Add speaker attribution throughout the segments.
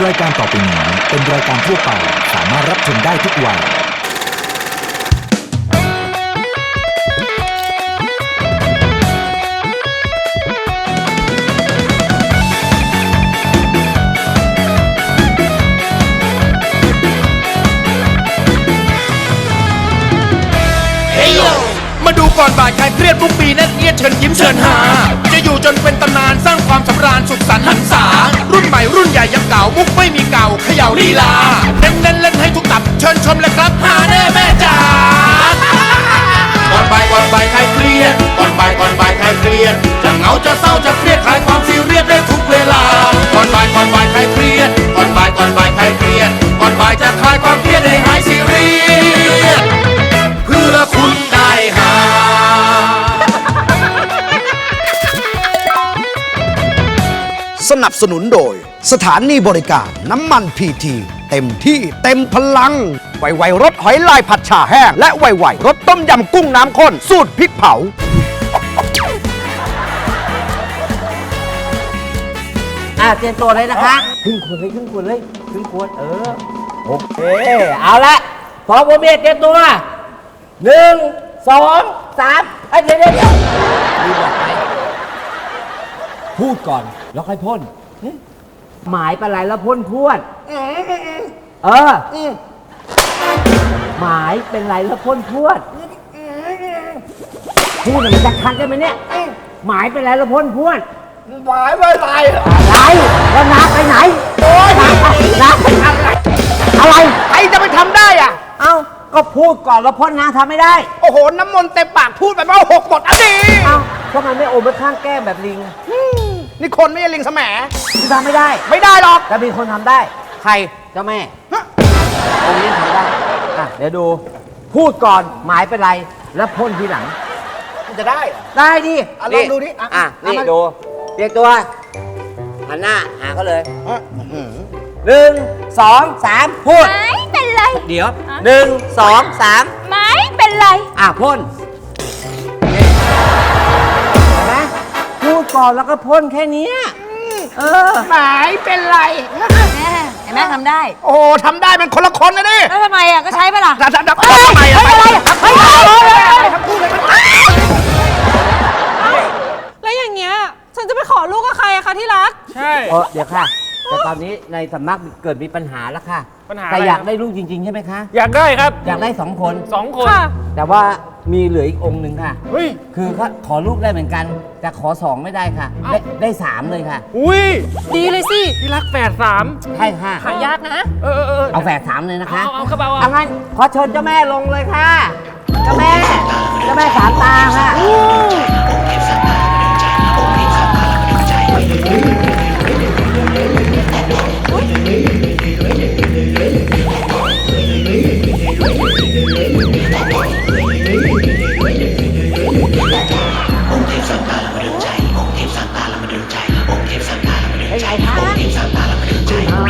Speaker 1: รายการต่อไปนี้เป็นรายการทั่วไปสามารถรับชมได้ทุกวัย
Speaker 2: มาดูก่อนบ่ายใครเครียดทุกปีนั่นเอียดเชิญยิ้มเชิญหาจะอยู่จนเป็นตำนานสร้างความสำราญสุขสันต์หันษารุ่นใหม่รุ่นใหญ่ยังเก่ามุกไม่มีเก่าเขย่าลีลาเน้นเล่นให้ทุกตับเชิญชมเลยครับหาแน่แม่จ๋าก่อนบ่ายใครเครียดก่อนบ่ายใครเครียดจะเหงาจะเศร้าจะเครียดคลายความซีเรียสได้ทุกเวลาก่อนบ่ายใครเครียดก่อนบ่ายใครเครียดก่อนบ่ายจะคลายความเครียดให้หายซีเรียสเพื่อคุณได้หา
Speaker 3: สนับสนุนโดยสถานีบริการน้ำมันพีทีเต็มที่เต็มพลังไวๆรสหอยลายผัดฉ่าแห้งและไวๆรสต้มยำกุ้งน้ำข้นสูตรพริกเผา
Speaker 4: เตรียมตัวเลยนะคะครึ่งขวดโอเคเอาละพร้อมผมเตรียมตัว1 2 3เดี๋ยวรีบบอกไปพูดก่อนแล้วค่อยพ่นหมายเป็นไรแล้วพ่นพวดหมายเป็นไรแล้วพ่นพวดพูดมันจะคันได้ไหมเนี่ยหมายเป็นไรแล้วพ่นพวดหมายไปไหนอะไรแล้วน้าไปไหนโอ้ยน้าไปทำอะไรใครจะไปทำได้อ่ะเอ้าก็พูดก่อนแล้วพ่นน้าทำไม่ได้โอ้โหน้ำมนต์เต็มปากพูดไปว่า6 หมดดีเอ้าทำไมไม่โอมไปข้างแก้มแบบลิงนี่คนไม่ใช่ลิงแสมที่ทำไม่ได้หรอกแต่มีคนทำได้ใครเจ้าแม่องค์นี้ทำได้เดี๋ยวดูพูดก่อนหมายเป็นไรแล้วพ่นทีหลังมันจะได้ดิลองดูดินี่ดูเรียกตัวหันหน้าหาเขาเลย1 2 3พูด
Speaker 5: ไม่เป็นไร
Speaker 4: เดี๋ยว1 2 3
Speaker 5: ไม่เป็นไร
Speaker 4: พ่นเห็นไหมพูดก่อนแล้วก็พ่นแค่นี้หมายเป็นไร
Speaker 5: เห็นไหมทำได้
Speaker 3: โอ้ทำได้เป็นคนละคนนะดิ
Speaker 5: แล้วทำไมก็ใช้ไปล่ะ
Speaker 3: ทำไมทั้งคู่เลย
Speaker 6: แล้วอย่างเงี้ยฉันจะไปขอลูกกับใครอะคะที่รัก
Speaker 4: ใช่เดี๋ยวค่ะแต่ตอนนี้ในสำนักเกิดมีปัญหาแล้วค่ะ
Speaker 2: ปัญหา
Speaker 4: แต่อยากได้ลูกจริงๆใช่ไหมคะ
Speaker 2: อยากได้ครับ
Speaker 4: อยากได้2 คนแต่ว่ามีเหลืออีกองค์หนึ่งค่ะคือขอลูกได้เหมือนกันแต่ขอ2ไม่ได้ค่ะได้3เลยค่ะ
Speaker 6: ดีเลยสิ
Speaker 2: ที่รักแฝด3
Speaker 4: ใช่ค่ะ
Speaker 6: หายากนะ
Speaker 4: เอาแฝด3เลยนะคะ
Speaker 2: เอาครับ
Speaker 4: เอางั้นขอเชิญเจ้าแม่ลงเลยค่ะเจ้าแม่3 ตาค่ะ
Speaker 7: องค์เทพสันตาละมาเดินใจองค์เทพสันตาละมาเดินใจองค์เทพสันตาละมาเดินใจองค์เทพสันตาละมาเดินใจ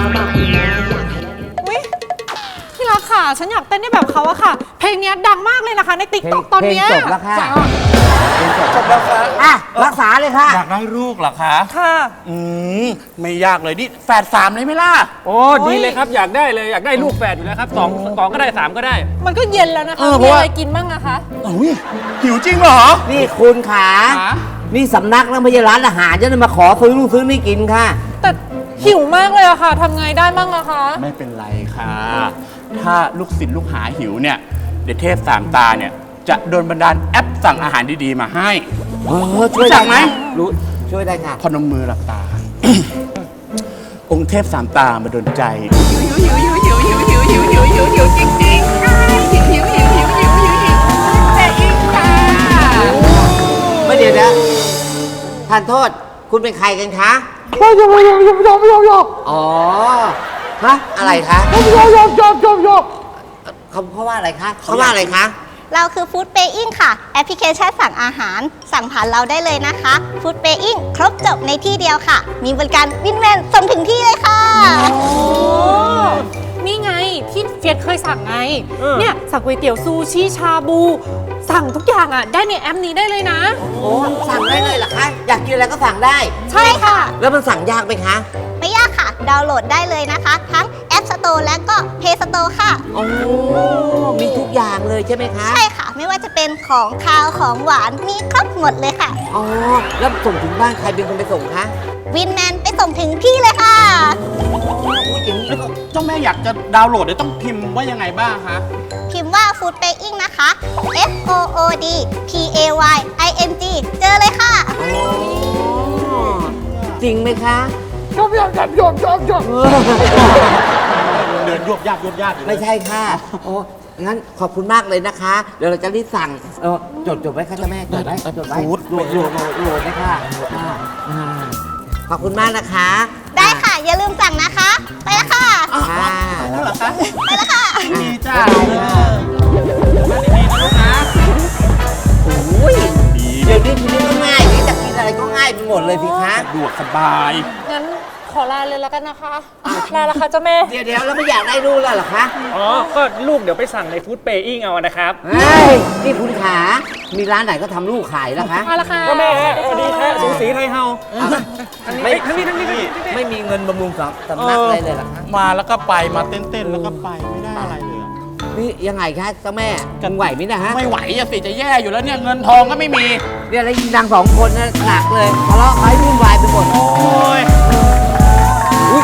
Speaker 6: อุ๊ยที่รักค่ะฉันอยากเต้นได้แบบเขาอะค่ะเพลงนี้ดังมากเลยนะคะในติ๊กต็อกตอนนี้
Speaker 4: จบแล้วค่ะจบแล้วค่ะรักษาเลยค่ะ
Speaker 2: อยากได้ลูกเหรอคะ
Speaker 6: ค่ะ
Speaker 2: ไม่ยากเลยนี่แฝด3เลยไหมล่ะโอ้ดีเลยครับอยากได้เลยอยากได้ลูกแฝดอยู่แล้วครับ2ก็ได้3ก็ได้
Speaker 6: มันก็เย็นแล้วนะคะมีอะไรกินบ้างอะคะ
Speaker 2: หิวจริงเหรอ
Speaker 4: นี่คุณขานี่สำนักแล้วไม่ใช่ร้านอาหารจะมาขอซื้อนู่นซื้อนี่กินค่ะ
Speaker 6: แต่หิวมากเลยอะค่ะทำไงได้บ้างอะคะ
Speaker 2: ไม่เป็นไรค่ะถ้าลูกศิษย์ลูกหาหิวเนี่ยเดี๋ยวเทพ3 ตาเนี่ยจะโดนบันดาลแอปสั่งอาหารดีๆมาให้
Speaker 4: ช่วย
Speaker 2: ได้ไหม
Speaker 4: รู้ช่วยได้ค่ะ
Speaker 2: พนมมือหลับตา องค์เทพ3 ตามาดลใจ
Speaker 5: หิวจริงๆแต่อีกค่ะ
Speaker 4: ไม่เดี๋ยวนะทานโทษคุณเป็นใครกันคะ
Speaker 3: ยก
Speaker 4: อ๋อฮะอะไรคะ
Speaker 3: ยก
Speaker 4: เขาว่าอะไรคะเขาว่าอะไรคะ
Speaker 5: เราคือฟู้ดเปย์อิงค่ะแอปพลิเคชันสั่งอาหารสั่งผ่านเราได้เลยนะคะฟู้ดเปย์อิงครบจบในที่เดียวค่ะมีบริการวินแมนส่งถึงที่เลยค่ะ
Speaker 6: นี่ไงที่เฟียสเคยสั่งไงเนี่ยสั่งก๋วยเตี๋ยวซูชิชาบูสั่งทุกอย่างได้ในแอปนี้ได้เลยนะ
Speaker 4: โอ้สั่งได้เลยเหรอคะอยากกินอะไรก็สั่งได้
Speaker 5: ใช่ค่ะ
Speaker 4: แล้วมันสั่งยากไหมคะ
Speaker 5: ไม่ยากค่ะดาวน์โหลดได้เลยนะคะ ทั้ง App Store และก็ Play Store ค่ะ
Speaker 4: โอ้มีทุกอย่างเลยใช่ไหมคะ
Speaker 5: ใช่ค่ะ ไม่ว่าจะเป็นของคาวของหวานมีครบหมดเลยค่ะ
Speaker 4: อ๋อ แล้วส่งถึงบ้านใครเป็นคนไปส่งคะ
Speaker 5: วินแมนไปส่งถึงที่เลยค่ะ
Speaker 2: เจ้าแม่อยากจะดาวน์โหลดเดี๋ยวต้องพิมพ์ว่ายังไงบ้างคะ
Speaker 5: พิมพ์ว่า Food Paying นะคะ FOODPAYING เจอเลยค่ะ
Speaker 4: จริงไหมคะ
Speaker 2: เดินยวบยาบยวบยาบอยู่เลย
Speaker 4: ไม่ใช่ค่ะ โอ้ งั้นขอบคุณมากเลยนะคะ เดี๋ยวเราจะรีบสั่ง จดไว้ค่ะเจ้าแม่ จดไว้จดไว้โหลดนะคะขอบคุณมากนะคะ
Speaker 5: ได้ค่ะ อย่าลืมสั่งนะคะ ไปแล้วค่ะ
Speaker 4: ค่ะ
Speaker 2: แล้วเหรอคะ
Speaker 5: ไปแล้วค่ะ
Speaker 2: ดีจ้า
Speaker 4: ดีนะลูกนะโอ้ยเดี๋ยวนี้ทีนี้ก็ง่ายนี่จะกินอะไรก็ง่ายไปหมดเลยสิคะ
Speaker 2: สะดวกสบาย
Speaker 6: งั้นขอลาเลยแล้วกันนะคะลาละค่ะเจ้าแม่
Speaker 4: เดี๋ยวแล้วไม่อยากได้ลูกแล้วเหรอคะ
Speaker 8: อ๋อ ก็ลูกเดี๋ยวไปสั่งในฟู้ดเปย์อิงเอานะครับ
Speaker 4: เฮ้ย นี่คุณขา มีร้านไหนก็ทำลูกขายแล้วคะ
Speaker 6: มาละค่ะ
Speaker 8: ก็แม่สวัสดีค่ะสูสีไทยเฮา
Speaker 4: ไม่
Speaker 8: ทั้งนี้
Speaker 4: ไม่มีเงินบำรุงสำนักอะไรเลยเหรอคะ
Speaker 2: มาแล้วก็ไปมาเต้นๆแล้วก็ไปไม่ได้อะไรเลยอะ
Speaker 4: นี่ยังไงคะเจ้าแม่กันไหวไหมเนะฮะ
Speaker 2: ไม่ไหวอะสิจะแย่อยู่แล้วเนี่ยเงินทองก็ไม่มี
Speaker 4: เนี่ยแล้วยิงดังสองคนนะหนักเลยทะเลาะไว้วุ่นวายไปหมด
Speaker 2: โอ้ย
Speaker 4: อุ๊ย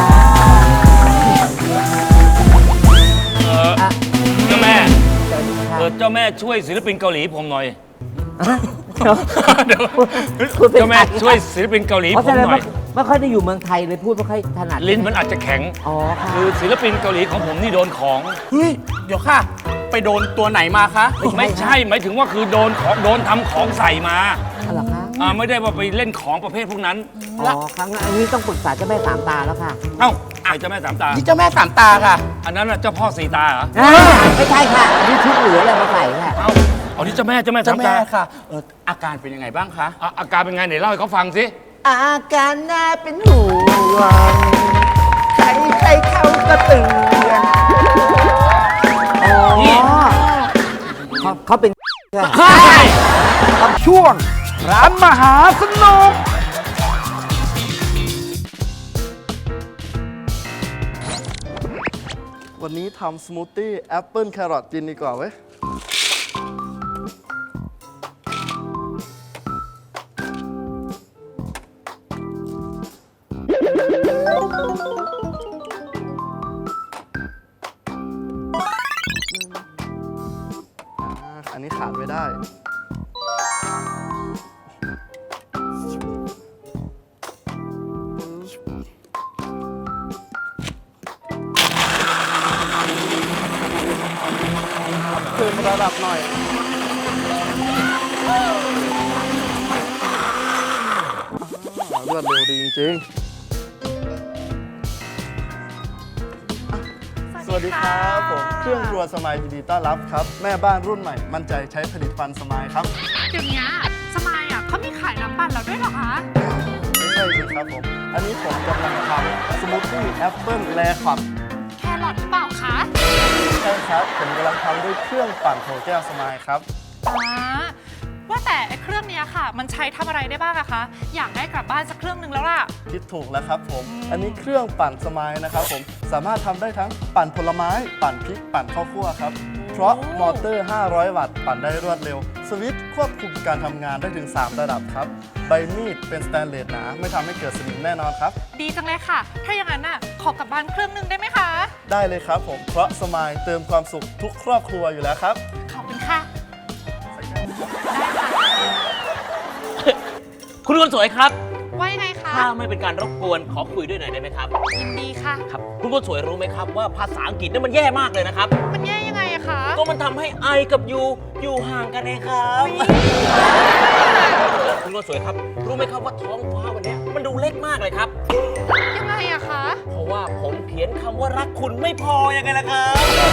Speaker 8: เจ้าแม่
Speaker 4: สวัสดีค่ะ
Speaker 8: เจ้าแม่ช่วยศิลปินเกาหลีผมหน่อย เดี๋ยว
Speaker 4: พูดเป็น
Speaker 8: เจ้าแม่
Speaker 4: ไทย
Speaker 8: ช่วยศิลปินเกาหลี
Speaker 4: เพราะ
Speaker 8: ผม
Speaker 4: ฉะนั้น
Speaker 8: หน่อย
Speaker 4: ไม่ค่อยได้อยู่เมืองไทยเลยพูดไม่ค่อยถนัด
Speaker 8: ลิ้นมันอาจจะแข็ง
Speaker 4: อ๋อค่ะ
Speaker 8: คือศิลปินเกาหลีของผมนี่โดนของ
Speaker 2: เฮ้ยเดี๋ยวค่ะ ไปโดนตัวไหนมาคะ
Speaker 8: ไม่ใช่หมายถึงว่าคือโดนทำของใส่มา
Speaker 4: อ๋อเหรอคะ
Speaker 8: ไม่ได้ว่าไปเล่นของประเภทพวกนั้น
Speaker 4: อ๋อครั้งอันนี้ต้องปรึกษาเจ้าแม่สามตาแล้วค่ะ
Speaker 8: เอ้าไอ้เจ้าแม่สามตา
Speaker 2: นี่เจ้าแม่สามตาค่ะ
Speaker 8: อันนั้นน่ะเจ้าพ่อสีตาเหรอ
Speaker 4: ไม่ใช่ค่ะอันนี่ชุดเหลืออะไรมาใส่ค่ะ
Speaker 8: เอ้าเอาที่เจ้าแม่สา
Speaker 2: เจ้าม แม่
Speaker 8: ตา
Speaker 2: ค่ะอาการเป็นยังไงบ้างคะ
Speaker 8: อาการเป็นไงไหนเล่าให้เขาฟังสิ
Speaker 4: อาการน่าเป็นห่วงใครเขาก็เตือนอ๋อเขาเป็นค่ะ
Speaker 3: กับช่วง ร้านมหาสนุก
Speaker 9: วันนี้ทำสมูทตี้แอปเปิลแครอทกินดีกว่าเว้ย อันนี้ขาดไม่ได้ เพิ่มระดับหน่อย รวดเร็วดีจริงๆ สวัสดีครับผมเครื่องครัวสมายยินดีต้อนรับครับ แม่บ้านรุ่นใหม่ มั่นใจใช้ผลิตภัณฑ์สมายครับ
Speaker 6: เดี๋ยวนี้สมายเขามีขายน้ำปั่นแล้วด้วยเหรอคะ
Speaker 9: ไม่ใช่สิครับผม อันนี้ผมกำลังทำสมูทตี้แอปเปิลแลควับ
Speaker 6: แครอทหรือเปล่าคะ
Speaker 9: ใช่ครับ ผมกำลังทำด้วยเครื่องปั่นโถแก้วสมายครับ
Speaker 6: ว่าแต่ไอ้เครื่องเนี้ยค่ะ มันใช้ทำอะไรได้บ้างอะคะ อยากได้กลับบ้านสักเครื่องหนึ่งแล้วล่ะ
Speaker 9: คิดถูกแล้วครับผม อันนี้เครื่องปั่นสมายนะครับผม สามารถทำได้ทั้งปั่นผลไม้ ปั่นพริก ปั่นข้าวคั่วครับ เพราะมอเตอร์ 500 วัตต์ ปั่นได้รวดเร็ว สวิตช์ควบคุมการทำงานได้ถึง 3 ระดับครับ ใบมีดเป็นสแตนเลสหนา ไม่ทำให้เกิดสนิมแน่นอนครับ
Speaker 6: ดีจังเลยค่ะ ถ้าอย่างนั้นน่ะขอกลับบ้านเครื่องหนึ่งได้ไหมคะ
Speaker 9: ได้เลยครับผม เพราะสมายเติมความสุขทุกครอบครัวอยู่แล้วครับ
Speaker 6: ขอบคุณค่ะ
Speaker 10: คุณคนสวยครับ
Speaker 6: ว่ายังไงคะ
Speaker 10: ถ้าไม่เป็นการรบกวนขอคุยด้วยหน่อยได้ไหมครับ
Speaker 6: ยินดีค่ะ
Speaker 10: ครับ คุณคนสวยรู้ไหมครับว่าภาษาอังกฤษนี่มันแย่มากเลยนะครับ
Speaker 6: มันแย่ยังไงอะคะ
Speaker 10: ก็มันทำให้ I กับ you อยู่ห่างกันเองครับ คุณคนสวยครับ รู้ไหมครับว่าท้องฟ้าวันนี้มันดูเล็กมากเลยครับ
Speaker 6: ยังไงอะคะ
Speaker 10: เพราะว่าผมเขียนคำว่ารักคุณไม่พอยังไงล่ะครับ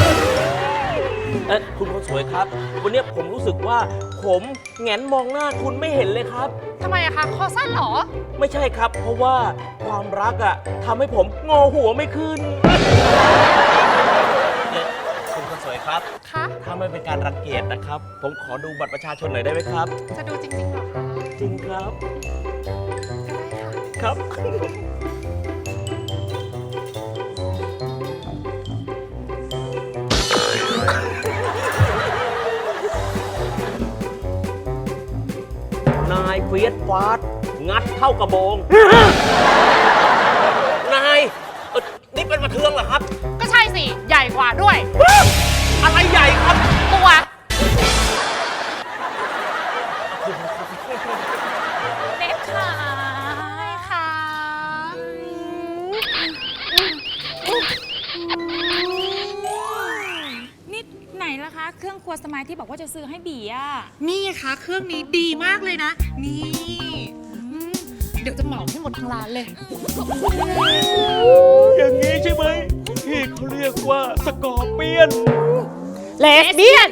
Speaker 10: คุณคนสวยครับ วันนี้ผมรู้สึกว่าผมแหงนมองหน้าคุณไม่เห็นเลยครับ
Speaker 6: ทำไมอะคะ คอสั้นเหรอ
Speaker 10: ไม่ใช่ครับ เพราะว่าความรักอะทำให้ผมงอหัวไม่ขึ้น คุณคนสวยครับ
Speaker 6: คะ
Speaker 10: ถ้าไม่เป็นการรังเกียจนะครับ ผมขอดูบัตรประชาชนหน่อยได้ไหมครับ
Speaker 6: จะดูจริงๆเหรอคะ
Speaker 10: จริงครับ
Speaker 6: ก็ได้ค่ะ
Speaker 10: ครับฟียสฟาดงัดเข้ากระโบง นายนี่เป็นประเทืองเหรอครับ
Speaker 6: ก็ใช่สิ ใหญ่กว่าด้วย
Speaker 10: อะไรใหญ่ครับ
Speaker 6: ตัว เล็กขาค่ะ
Speaker 11: นี่ไหนล่ะคะ เครื่องครัวสมัยที่บอกว่าจะซื้อให้บีอ่ะ
Speaker 6: นี่ค่ะ เครื่องนี้ดีมากเลยนะ นี่เดี๋ยวจะเหมาให้หมดทั้งร้านเลย
Speaker 10: อย่างนี้ใช่ไหมที่เขาเรียกว่าสกอร์เปียน
Speaker 6: เลสเบี้ยน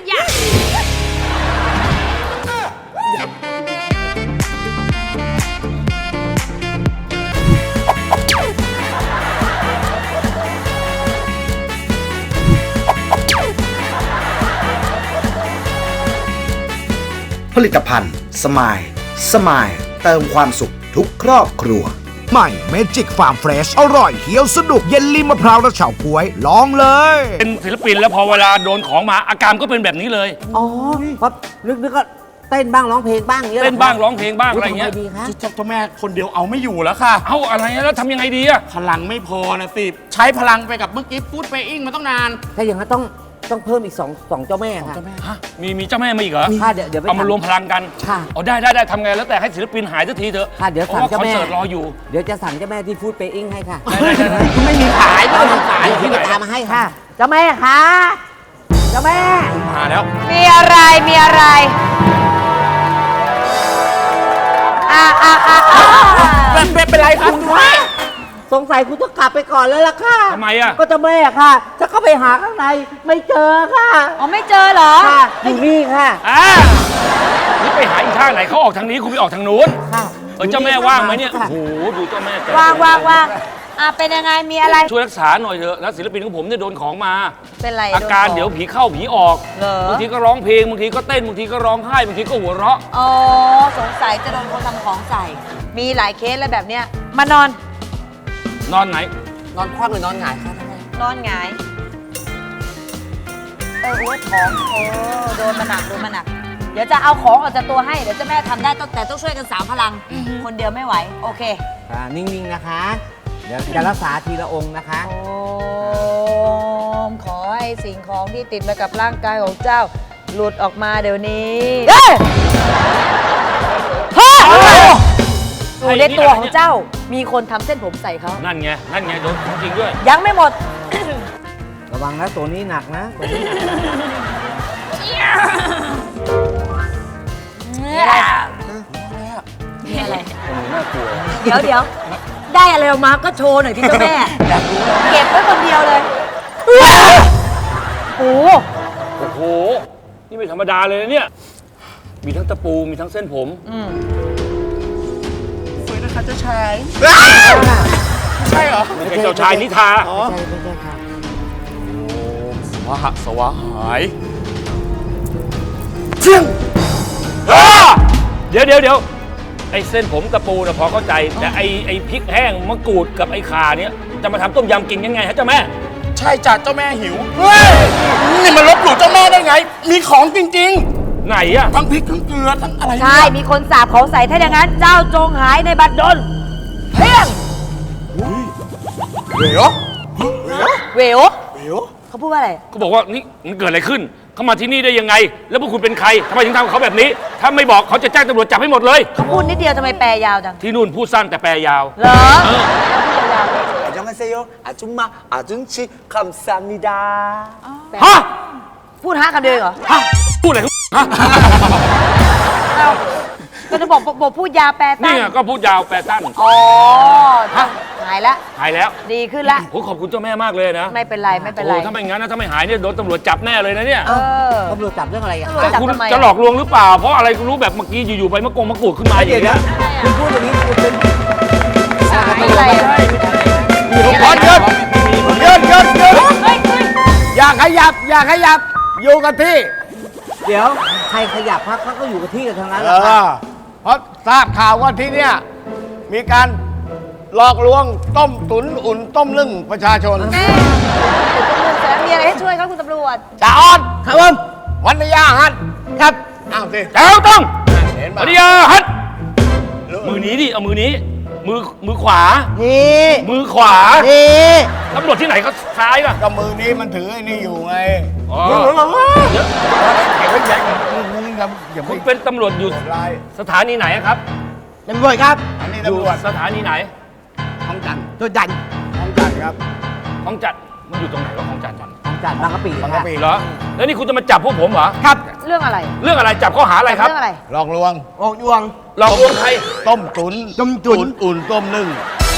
Speaker 3: ผลิตภัณฑ์สมายเติมความสุขทุกครอบครัว ใหม่เมจิกฟาร์มเฟรชอร่อยเคี้ยวสนุกเย็นลิ้มมะพร้าวและเฉาก๊วยลองเลย
Speaker 8: เป็นศิลปินแล้วพอเวลาโดนของมาอาการก็เป็นแบบนี้เลย
Speaker 4: อ๋อครับนึกก็เต้นบ้างร้องเพลงบ้างอย่างเงี้ย
Speaker 8: เต้นบ้างร้องเพลงบ้างอะไรเงี้ย
Speaker 4: ทำดีคะ
Speaker 2: เจ้าแม่คนเดียวเอาไม่อยู่แล้วค่ะ
Speaker 8: เอาอะไรแล้วทำยังไงดีอะ
Speaker 2: พลังไม่พอนะสิใช้พลังไปกับเมื่อกี้ฟูดเปย์อิงมาต้องนาน
Speaker 4: ถ้าอย่างนั้นต้องเพิ่มอีกสองเจ้าแม่ค่ะ
Speaker 8: ฮะมีเจ้าแม่มาอีกเหรอ
Speaker 4: ค่ะเดี๋ยวไป
Speaker 8: เอามารวมพลังกัน
Speaker 4: ค่ะ
Speaker 8: เอาได้ทำไงแล้วแต่ให้ศิลปินหายสักทีเถอะ
Speaker 4: ค่ะเดี๋ยว
Speaker 8: เพราะ
Speaker 4: สั่ง
Speaker 8: ว่า
Speaker 4: เจ้า
Speaker 8: คอน
Speaker 4: แม่
Speaker 8: เสิร์ตรออยู่
Speaker 4: เดี๋ยวจะสั่งเจ้าแม่ที่ฟู้ดเปย์อิงให้ค่ะ
Speaker 8: ได้
Speaker 2: ไม่มีขายไม่มีขาย
Speaker 4: ที่ไปตามมาให้ค่ะ เจ้าแม่คะเจ้าแม่
Speaker 2: มาแล้ว
Speaker 11: มีอะไร มีอะไร
Speaker 2: เป็นไรครับ
Speaker 4: สงสัยคุณต้องกลับไปก่อนแล้วล่ะค่ะ
Speaker 8: ทำไมอะ
Speaker 4: ก็เจ้าแม่ค่ะจะเข้าไปหาข้างในไม่เจอค่ะ
Speaker 11: อ๋อ ไม่เจอเหรอ
Speaker 4: ค่ะอยู่นี่ค่ะ
Speaker 8: นี่ไปหาอีกท่างไหนเขาออกทางนี้คุณไปออกทางนู้น
Speaker 4: ค่ะ
Speaker 8: เจ้าแม่ว่างไหมเนี่ย
Speaker 4: ค่ะ
Speaker 8: โอ้โหดูเจ้าแม่แต่
Speaker 11: ว่างเป็นยังไง มีอะไร
Speaker 8: ช่วยรักษาหน่อยเถอะนะศิลปินของผมเนี่ยโดนของมา
Speaker 11: เป็นไร
Speaker 8: อาการเดี๋ยวผีเข้าผีออก
Speaker 11: เหรอ
Speaker 8: บางทีก็ร้องเพลงบางทีก็เต้นบางทีก็ร้องไห้บางทีก็หัวเราะ
Speaker 11: อ๋อ สงสัยจะโดนคนทำของใส่ มีหลายเคสเลยแบบเนี้ย มานอน
Speaker 8: นอนไหน
Speaker 4: นอนคว่ำหรือนอนหงายคะ
Speaker 11: นอนหงาย โอ้ยของโดนมาหนัก เดี๋ยวจะเอาของออกจากตัวให้ เดี๋ยวเจ้าแม่ทำได้แต่ต้องช่วยกันสามพลัง คนเดียวไม่ไหว โอเค
Speaker 4: นิ่งๆนะคะ เดี๋ยวจะรักษาทีละองค์นะคะ
Speaker 11: โอมขอให้สิ่งของที่ติดมากับร่างกายของเจ้า หลุดออกมาเดี๋ยวนี้อยู่ในตัวของเจ้า มีคนทำเส้นผมใส่เขา
Speaker 8: นั่นไงโดนของจริงด้วย
Speaker 11: ยังไม่หมด
Speaker 4: ระวังนะตัวนี้หนักนะตัวนี้หนักนะ
Speaker 11: มีอะไร เดี๋ยวได้อะไรออกมาก็โชว์หน่อยที่เจ้าแม่ เก็บไว้คนเดียวเลยโอ้
Speaker 8: โอ้โห นี่ไม่ธรรมดาเลยนะเนี่ย มีทั้งตะปูมีทั้งเส้นผม
Speaker 2: สวยนะคะเจ้าชาย
Speaker 8: ใช่เหรอไม่ใช่เจ้าชายนิทา
Speaker 4: ไม่ใช่ค่ะ
Speaker 2: สวะหาย
Speaker 8: เดี๋ยวไอ้เส้นผมตะปูนะพอเข้าใจ แต่ไอ้พริกแห้งมะกรูดกับไอ้ข่าเนี้ยจะมาทำต้มยำกินยังไงฮะเจ้าแม่
Speaker 2: ใช่จ้ะเจ้าแม่หิวนี่มันลบหลู่เจ้าแม่ได้ไง มีของจริง
Speaker 8: ไหนอะ
Speaker 2: ๆ ทั้งพริกทั้งเกลือทั้งอะไร
Speaker 11: ใช่ มีคนสาบของใส่ถ้าอย่างนั้น เจ้าจงหายในบัดดลเพียง
Speaker 2: เดี๋ยว
Speaker 11: เหวเขาพูดว่าอะไร
Speaker 8: ก็บอกว่านี่มันเกิดอะไรขึ้น เขามาที่นี่ได้ยังไง แล้วพวกคุณเป็นใครทำไมถึงทำกับเขาแบบนี้ ถ้าไม่บอกเขาจะแจ้งตำรวจจับให้หมดเลย
Speaker 11: เขาพูดนิดเดียวทำไมแปลยาวจัง
Speaker 8: ที่นู่นพูดสั้นแต่แปลยาว
Speaker 11: เหรอ
Speaker 9: 안녕하세요. 아줌마, 아줌치, 감사합니다.
Speaker 8: ฮะ
Speaker 11: พูดฮะคำเดียวเองเหรอ
Speaker 8: พูดอะไรของฮะ
Speaker 11: เอาก็จะบอกพูดยาวแปลตั้
Speaker 8: นี่
Speaker 11: ง
Speaker 8: ไงก็พูดยาวแปลสั้น
Speaker 11: อ๋อหายแล้ว
Speaker 8: หายแล้ว
Speaker 11: ดีขึ้นละ
Speaker 8: โอ้ขอบคุณเจ้าแม่มากเลยนะ
Speaker 11: ไม่เป็นไรไม่เป็นไร
Speaker 8: โอ้ถ้าไม่งั้นนะถ้าไม่หายเนี่ยโดนตำรวจจับแน่เลยนะเนี่ย
Speaker 11: เออ
Speaker 4: ตำรวจจับเรื่องอะไรอ่ะ
Speaker 11: ตำรวจจับ
Speaker 8: คุณ
Speaker 11: ทำไม
Speaker 8: จะหลอกลวงหรือเปล่า เพราะอะไรคุณรู้แบบเมื่อกี้อยู่ๆไปมะกรูดขึ้นมาอย่างเงี้ย
Speaker 4: คุณพูดอย่างนี้คุณเป็น
Speaker 11: อะไรอะ
Speaker 8: มีทุกคนเยอะ
Speaker 3: อย่าขยับอยู่กับที่
Speaker 4: เดี๋ยวใครขยับพักเขาก็อยู่กับที่กันทั้งนั้น
Speaker 3: เอ
Speaker 4: แหละครับ
Speaker 3: อเพราะทราบข่าวว่าที่เนี่ยมีการหลอกลวงต้มตุ๋นอุ่นต้มนึ่งประชาชน
Speaker 11: แม่แต่มีอะไรให้ช่วยครับคุณตำรวจ
Speaker 3: จ่าออนครับผมวันนิยาฮัทครับอ้าวสิ
Speaker 8: แถวต้อง
Speaker 3: เห็น
Speaker 8: ป
Speaker 3: ป่ะ
Speaker 8: ฏิญาฮัตมือนี้ดิเอามือนี้ มือขวา
Speaker 4: นี่
Speaker 8: มือขวา
Speaker 4: นี่
Speaker 8: ตำรวจที่ไหนก็ซ้ายป่ะ
Speaker 12: ก็มือนี้มันถือไอ้นี่อยู่ไง
Speaker 8: อ๋อ
Speaker 12: เดี๋ยวเก็บไว้ใหญ่มึงครับอย่า
Speaker 8: คุ
Speaker 12: ไม่
Speaker 8: ณเป็นตำรวจอยู่
Speaker 12: ลาย
Speaker 8: สถานีไหนครับ
Speaker 4: ตำรวจครับ
Speaker 12: อันนี้
Speaker 8: อยู่
Speaker 12: ตำรวจ
Speaker 8: สถานีไหน
Speaker 12: ห้องจันทร์
Speaker 4: ตัวดัน
Speaker 12: ห้องจันทร์ครับ
Speaker 8: ของจัดมันอยู่ตรงไหนวะของจัดจัน
Speaker 4: ของจัดบางกะปิ
Speaker 12: บางกะปิ
Speaker 8: เหรอแล้วนี่คุณจะมาจับพวกผมเหรอ
Speaker 4: ครับ
Speaker 11: เรื่องอะไร
Speaker 8: เรื่องอะไรจับข้อหาอะไรครับ
Speaker 11: เรื่องอะไร
Speaker 12: หลอกลวง
Speaker 4: ออกยวง
Speaker 8: หลอกลวงใคร
Speaker 12: ต้มตุ๋น
Speaker 4: ต้มตุ๋น
Speaker 12: อุ่นต้มนึ่ง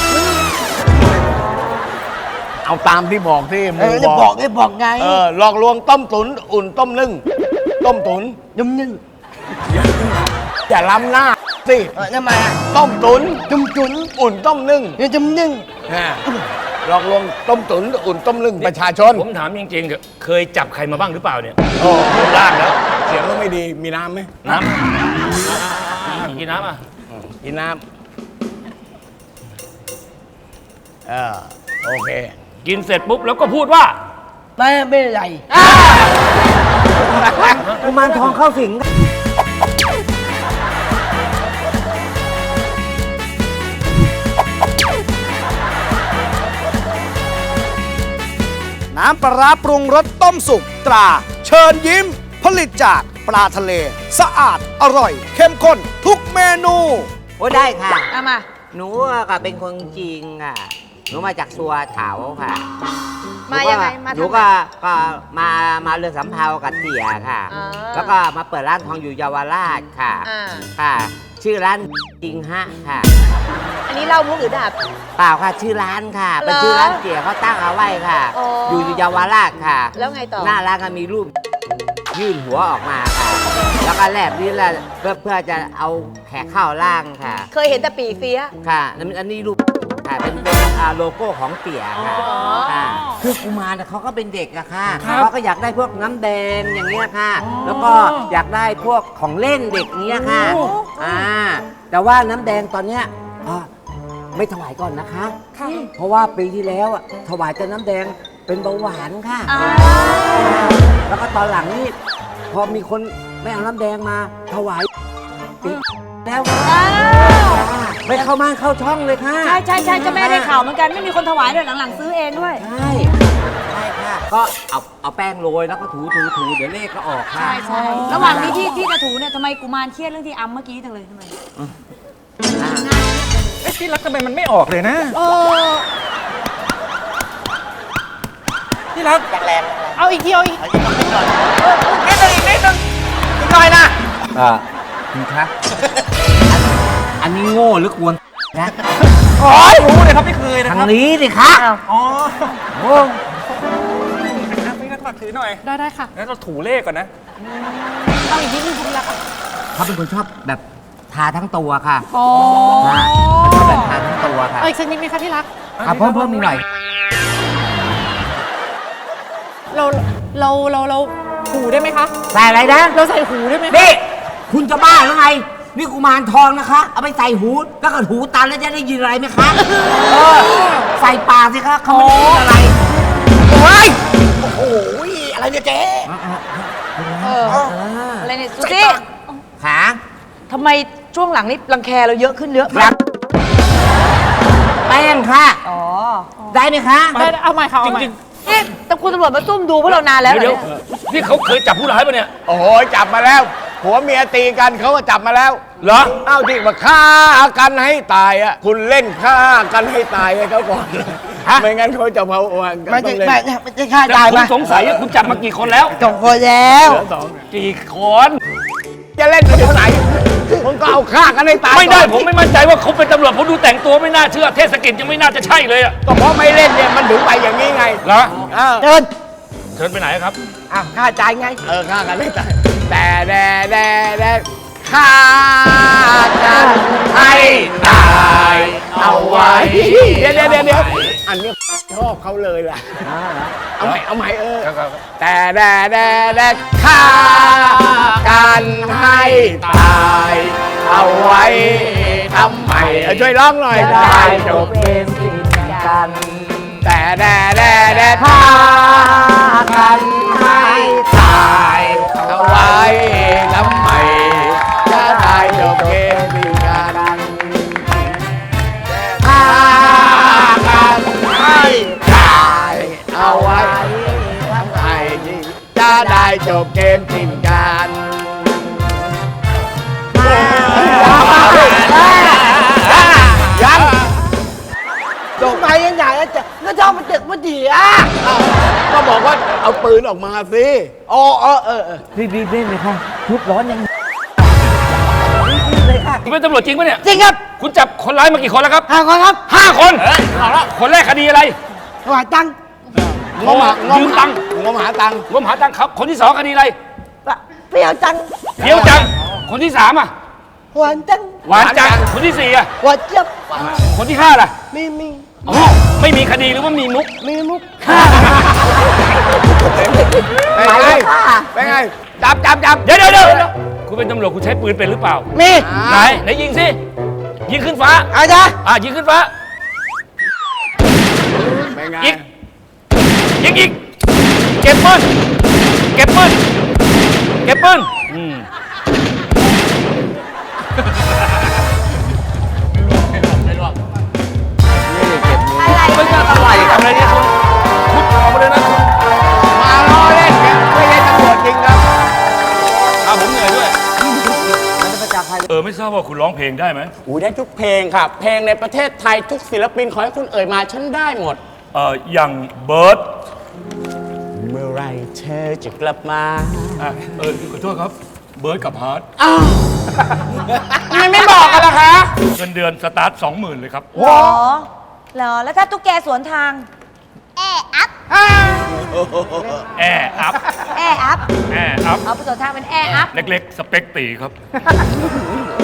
Speaker 12: เอาตามที่บอกที่หมู
Speaker 4: ได้
Speaker 12: บบ อ
Speaker 4: อก กได้บอกไง
Speaker 12: หลอกลวงต้มตุ๋นอุ่นต้มนึ่งต้มตุ๋น
Speaker 4: ยุ่มนึ่ง
Speaker 12: อย่าล้ำหน้าสิ
Speaker 4: ทำไมอ่ะ
Speaker 12: ต้มตุ๋น
Speaker 4: จุ่มจุ่น
Speaker 12: อุ่นต้มนึ่ง
Speaker 4: เดี๋ยวจุ่มนึ่ง
Speaker 12: หลอกลวงต้มตุ๋นอุ่นต้มนึ่งประชาชน
Speaker 8: ผมถามจริงๆเถอะเคยจับใครมาบ้างหรือเปล่าเนี่ย
Speaker 12: โอ้
Speaker 8: รูปร่างแล้ว
Speaker 12: เสียงก็ไม่ดีมีน้ำไหม
Speaker 8: น้ำกินน้ำอ่ะ
Speaker 12: กินน้ำโอเค
Speaker 8: กินเสร็จปุ๊บแล้วก็พูดว่า
Speaker 4: ไม่เป็นไรกุมารทองเข้าสิง
Speaker 3: น้ำปลาร้าปรุงรสต้มสุกตรา เชิญยิ้ม ผลิตจากปลาทะเล สะอาดอร่อย เข้มข้นทุกเมนู
Speaker 4: โอ้ได้ค่ะ
Speaker 11: เอามา
Speaker 4: หนูก็เป็นคนจริงค่ะ หนูมาจากสัวเถาค่ะ
Speaker 11: มายังไงมาทำไม
Speaker 4: หนูก็มาเรือสำเภากับเตี่ยค่ะ
Speaker 11: อ่า
Speaker 4: แล้วก็มาเปิดร้านทองอยู่เยาวราชค่ะ
Speaker 11: อ่า
Speaker 4: ค่ะ ชื่อร้านจริงฮะค่ะ
Speaker 11: อันนี้เล่ามุกหรือดาบ
Speaker 4: เปล่าค่ะชื่อร้านค่ะ เป็น
Speaker 11: เหรอ
Speaker 4: ชื่อร้านเตี่ยเขาตั้งเอาไว้ค่ะ
Speaker 11: อ๋อ
Speaker 4: อ
Speaker 11: อยู่
Speaker 4: เยาวราชค่ะ
Speaker 11: แล้วไงต่อ
Speaker 4: หน้าร้านก็มีรูปยื่นหัวออกมาค่ะ แล้วก็แลบลิ้นแล้วเพื่อจะเอาแขกเข้าร่างค่ะ
Speaker 11: เคยเห็นแต่ปีเสีย
Speaker 4: ค่ะอันนี้รูปค่ะเป็นโลโก้ของเตี่ยค่ะ
Speaker 11: อ๋อ
Speaker 4: ค่ะคือกุมารน่ะเขาก็เป็นเด็กอะค่ะเขาก็อยากได้พวกน้ำแดงอย่างเงี้ยค่ะ แล้วก็อยากได้พวกของเล่นเด็กเงี้ยค่ะแต่ว่าน้ำแดงตอนเนี้ยไม่ถวายก่อนนะคะ เพราะว่าปีที่แล้วอะถวายแต่น้ำแดงเป็นเบาหวานค่ะ แล้วก็ตอนหลังนี่พอมีคนไม่เอาน้ำแดงมาถวายแล้วไม่เข้าม่านเข้าช่องเลยค่ะ
Speaker 11: ใช่ใช่ใช่เจ้าแม่ได้ข่าวเหมือนกัน ไม่มีคนถวายด้วยหลังๆซื้อเองด้วย
Speaker 4: ใช่ค่ะก็เอาแป้งโรยแล้วก็ถูเดี๋ยวเลขก็ออกค่ะ
Speaker 11: ใช่ใช่ระหว่างนี้ที่จะถูเนี่ยทำไมกุมารเครียดเรื่องที่อัมเมื่อกี้จังเลยทำไม
Speaker 13: ไอ้ที่รักทำไมมันไม่ออกเลยนะที่รัก
Speaker 6: เอาอีกทีเอาอีก
Speaker 4: นิดนึงอีกหน่อยนะคุณครับอันนี้โง่หรือกวนนะ
Speaker 13: โอ้ยรู้เลยครับไม่เคยนะ
Speaker 4: ทา
Speaker 13: ครับ
Speaker 4: งนี้สิคะ
Speaker 13: อ๋อ
Speaker 4: โอ้
Speaker 13: ไม่งั้นฝากถือหน่อย
Speaker 6: ได้ค่ะ
Speaker 13: งั้นเราถูเลขก่อนนะ
Speaker 6: เอาอีกนิดนึงคุณรัก
Speaker 4: เขาเป็นคนชอบแบบทาทั้งตัวค่ะ
Speaker 6: อ๋อ
Speaker 4: ค่ะชอบแบบทาทั้งตัวค่ะ
Speaker 6: เอาอีกสักนิดไหมคะที่รัก
Speaker 4: เพิ่มอีกหน่อย
Speaker 6: เราหูได้ไหมคะ
Speaker 4: ใส่อะไรนะ
Speaker 6: เราใส่หูได้ไหมคะ
Speaker 4: นี่คุณจะบ้าหรือไง นี่กุมารทองนะคะ เอาไปใส่หูแล้วก็หูตันแล้วจะได้ยินอะไรไหมคะใส่ปากสิคะเขาไม่ได้ยินอะไรเฮ้ย
Speaker 3: โอ้ยอะไรเนี่ยเจ๊
Speaker 11: อะไรเนี่ยสุซี่
Speaker 4: ขา
Speaker 11: ทำไมช่วงหลังนี้รังแคเราเยอะขึ้นเยอะ
Speaker 4: ครับแป้งค่ะ
Speaker 11: อ๋อ
Speaker 4: ได้ไหมคะ
Speaker 6: ได้เอาใหม่ค่ะเอาใหม่
Speaker 11: เอ๊ะแต่คุณตำรวจมาซุ่มดูพวกเรานานแล้วเหรอ
Speaker 8: เดี๋ยว
Speaker 11: เนี่ย
Speaker 8: นี่เขาเคยจับผู้ร้ายปะเนี่ย
Speaker 12: โอ้โหจับมาแล้วผัวเมียตีกันเขาก็จับมาแล้ว
Speaker 8: เหรอ
Speaker 12: เอ้าที่ว่าฆ่ากันให้ตายอ่ะคุณเล่นฆ่ากันให้ตายให้เขาก่อน
Speaker 8: ฮะ
Speaker 12: ไม่งั้นเขาจะมาวัน
Speaker 4: ไม่
Speaker 12: ต้
Speaker 4: ใช่
Speaker 12: องเล่น
Speaker 4: ไม่ใช่ค่า
Speaker 8: แต่
Speaker 4: ได้
Speaker 8: คุ
Speaker 4: ไหม
Speaker 8: ณสงสัยว่าคุณจับมากี่คนแล้ว
Speaker 4: จบคนแล้ว
Speaker 12: เหลือสอง
Speaker 8: กี่คน
Speaker 12: จะเล่นกันถึงไหนมึงก็เอาฆ่ากันให้ตาย
Speaker 8: ไม่ได้
Speaker 12: ก่อน
Speaker 8: ผมไม่มั่นใจว่าเขาเป็นตำรวจผมดูแต่งตัวไม่น่าเชื่อเทศกิจยังไม่น่าจะใช่เลยอะ
Speaker 12: ก็เพราะไม่เล่นเนี่ยมันถึงไปอย่างนี้ไง
Speaker 8: เหรอ
Speaker 12: เดิน
Speaker 8: เชิญไปไหนครับ
Speaker 4: ค่าจ่ายไง
Speaker 12: ฆ่ากันให้ตายแต่ฆ่ากันให้ตายเอาไว้เดี๋ยวอันนี้ชอบเขาเลยล่ะเอาใหม่แต่ฆ่ากันให้ตายเอาไว้ทำไมช่วยร้องหน่อยได้จบ
Speaker 4: เป็นสิ่งกัน
Speaker 12: แต่ฆ่ากันให้ตายเอาไว้ทำไมจะได้จบเกมดีกันจบเกมทิ้งกัน ยังจบไปยังไงจะก็ชอบมันตึกมันดีอ่ะก็บอกว่าเอาปืนออกมาสิอ๋อ
Speaker 4: รีบเล่นเลยค่ะทุบร้อนยัง
Speaker 8: คุณเป็นตำรวจจริงปะเนี่ย
Speaker 4: จริงครับ
Speaker 8: คุณจับคนร้ายมากี่คนแล้วครับ
Speaker 4: 5 คนครับ
Speaker 8: 5 คนเอาละคนแรกคดีอะไร
Speaker 4: ถวายตังค์
Speaker 8: ยืมตังค์
Speaker 12: งมหาตังค์
Speaker 8: งมหาตังค์ครับ คนที่ 2 คดีอะไร
Speaker 4: เปรี้ยวตังค์
Speaker 8: เดี๋ยวจัง คนที่ 3 อ่ะ
Speaker 4: หวานตังค์
Speaker 8: หวานจัง คนที่ 4 อ่ะ
Speaker 4: หวานเจี๊ยบ
Speaker 8: คนที่ 5 ล่ะ
Speaker 4: มี
Speaker 8: อ๋อไม่มีคดีหรือว่ามีมุก
Speaker 4: มุก
Speaker 12: เป็นไงเป็นไงจับ
Speaker 8: เดี๋ยวคุณเป็นตำรวจคุณใช้ปืนเป็นหรือเปล่า
Speaker 4: มี
Speaker 8: ไหนยิงสิ ยิงขึ้นฟ้า
Speaker 4: อาจารย์
Speaker 8: ยิงขึ้นฟ้า
Speaker 12: เป็นไง
Speaker 8: อีก ยิงอีก เก็บปืนไม่ใช่อะไรทำอะไรเนี่ยคุณออกมาเลยนะคุณ
Speaker 12: มาล้อเล่นกันไม่ใช่ตำรวจจริงครับ
Speaker 8: ผมเหนื่อยด้วยไม่ทราบว่าคุณร้องเพลงได้ไหม
Speaker 12: ได้ทุกเพลงครับ เพลงในประเทศไทยทุกศิลปินขอให้คุณเอ่ยมาฉันได้หมด
Speaker 8: อย่างเบิร์ด
Speaker 12: เมื่อไรเธอจะกลับมา
Speaker 8: ขอโทษครับ เบิร์ดกับฮาร์ด
Speaker 12: ทำไมไม่บอกกันล่ะคะ
Speaker 8: เงินเดือนสตาร์ท 20,000 เลยครับ
Speaker 11: เหรอแล้วถ้าตุ๊กแกสวนทาง
Speaker 8: แอร์อัพ
Speaker 11: แอร์อัพ เอาไปสวนทางเป็นแอร์อัพ
Speaker 8: เล็กๆ สเปคตีครับ